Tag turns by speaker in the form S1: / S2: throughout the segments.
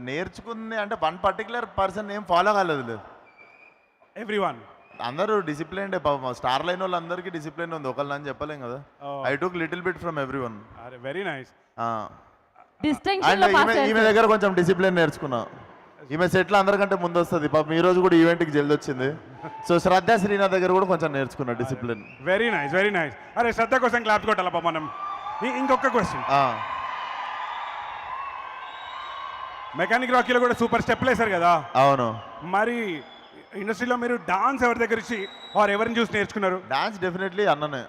S1: నేర్చుకుంది అంటే one particular person ఏం ఫాలో కాలేదు.
S2: ఎవ్రీవన్.
S1: అందరూ డిసిప్లైన్ స్టార్ లైన్ వాళ్ళందరికీ డిసిప్లిన్ ఉంది, ఒకళ్ళని అని చెప్పలేం కదా. I took little bit from every one.
S2: అరే వెరీ నైస్.
S1: అండ్ ఈమె దగ్గర కొంచెం డిసిప్లిన్ నేర్చుకున్నా. ఈమె సెట్లు అందరికంటే ముందు వస్తుంది. పాపం ఈ రోజు కూడా ఈవెంట్కి జల్ది వచ్చింది. సో శ్రద్ధ శ్రీనాథ్ దగ్గర కూడా కొంచెం నేర్చుకున్నా discipline.
S2: Very nice, very nice. అరే శ్రద్ధ కోసం క్లాప్స్ కొట్టాలా పాపం మనం. ఇంకొక క్వశ్చన్. మెకానిక్ రాకీలో కూడా సూపర్ స్టెప్లు వేశారు కదా.
S1: అవును.
S2: మరి ఇండస్ట్రీలో మీరు డాన్స్ ఎవరి దగ్గర ఇచ్చి ఆర్ ఎవరిని చూసి నేర్చుకున్నారు?
S1: డాన్స్ డెఫినెట్లీ అన్ననే.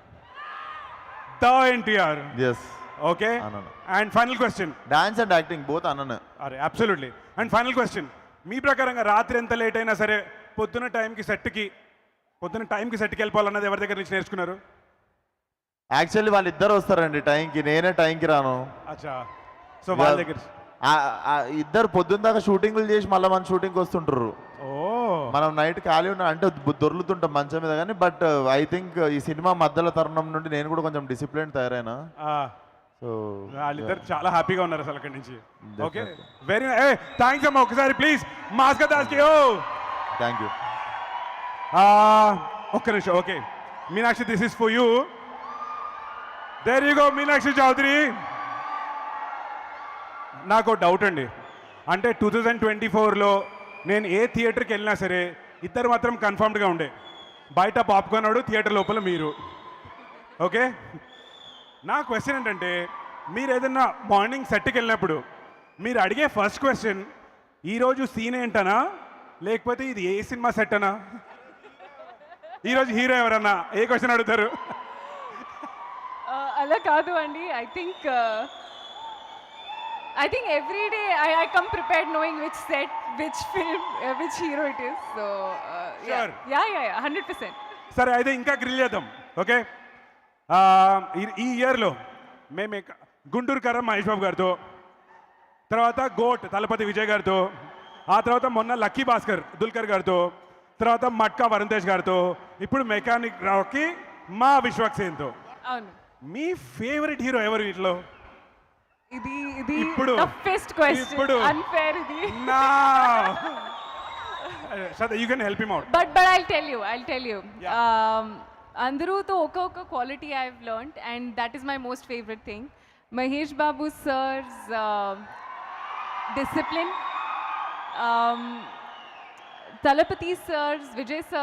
S2: The NTR.
S1: Yes.
S2: Okay. And final question.
S1: Dance and acting both అన్ననే.
S2: అరే అబ్సల్యూట్లీ. And final question. మీ ప్రకారంగా రాత్రి ఎంత లేట్ అయినా సరే పొద్దున టైంకి సెట్కి వెళ్ళిపోవాలన్నది ఎవరి దగ్గర నుంచి నేర్చుకున్నారు?
S1: యాక్చువల్లీ వాళ్ళిద్దరు వస్తారండి టైంకి, నేనే టైంకి రాను.
S2: అచ్చా. సో వాళ్ళ దగ్గర
S1: ఇద్దరు పొద్దున్న దాకా షూటింగ్లు చేసి మళ్ళీ మన షూటింగ్కి వస్తుంటారు. మనం నైట్ ఖాళీ ఉన్నా అంటే దొర్లుతుంటాం మంచం మీద. కానీ బట్ ఐ థింక్ ఈ సినిమా మధ్యలో తరుణం నుండి నేను కూడా కొంచెం డిసిప్లిన్ తయారైనా. సో
S2: వాళ్ళిద్దరు చాలా హ్యాపీగా ఉన్నారు అసలు అక్కడి నుంచి. ఓకే వెరీ థ్యాంక్స్ అమ్మా. ఒకసారి ప్లీజ్ మాస్క దాస్కి.
S1: Thank you.
S2: ఒక్క నిమిషం. Okay Meenakshi, this is for you. There you go Meenakshi Chaudhary. నాకు డౌట్ అండి. అంటే 2024లో నేను ఏ థియేటర్కి వెళ్ళినా సరే ఇద్దరు మాత్రం కన్ఫర్మ్డ్గా ఉండే. బయట పాప్కార్న్ వాడు, థియేటర్ లోపల మీరు. ఓకే. నా క్వశ్చన్ ఏంటంటే, మీరు ఏదైనా మార్నింగ్ సెట్కి వెళ్ళినప్పుడు మీరు అడిగే ఫస్ట్ క్వశ్చన్ ఈరోజు సీన్ ఏంటనా, లేకపోతే ఇది ఏ సినిమా సెట్ అనా, ఈరోజు హీరో ఎవరన్నా, ఏ క్వశ్చన్ అడుగుతారు?
S3: అలా కాదు అండి. I think every day I come prepared knowing which set, which film, which hero it is. So
S2: Sure.
S3: yeah, 100%.
S2: సరే అయితే ఇంకా గ్రిల్ చేద్దాం. ఓకే. ఈ ఇయర్లో మేము గుంటూరు కరం మహేష్ బాబు గారితో, తర్వాత గోట్ తలపతి విజయ్ గారితో, ఆ తర్వాత మొన్న లక్కీ భాస్కర్ దుల్కర్ గారితో, తర్వాత మట్కా వరుణ్ తేజ్ గారితో, ఇప్పుడు మెకానిక్ రావుకి మా విశ్వక్సేన్తో.
S3: అవును.
S2: మీ ఫేవరెట్ హీరో ఎవరు వీటిలో?
S3: ఇది
S2: ఇప్పుడు
S3: toughest question. Unfair ఇది.
S2: నా Shraddha, you can help him out.
S3: But I'll tell you. అందరూతో ఒక్కొక్క quality I have learned and that is my most favourite thing. Mahesh Babu sir's discipline, Thalapathy sir's, Vijay sir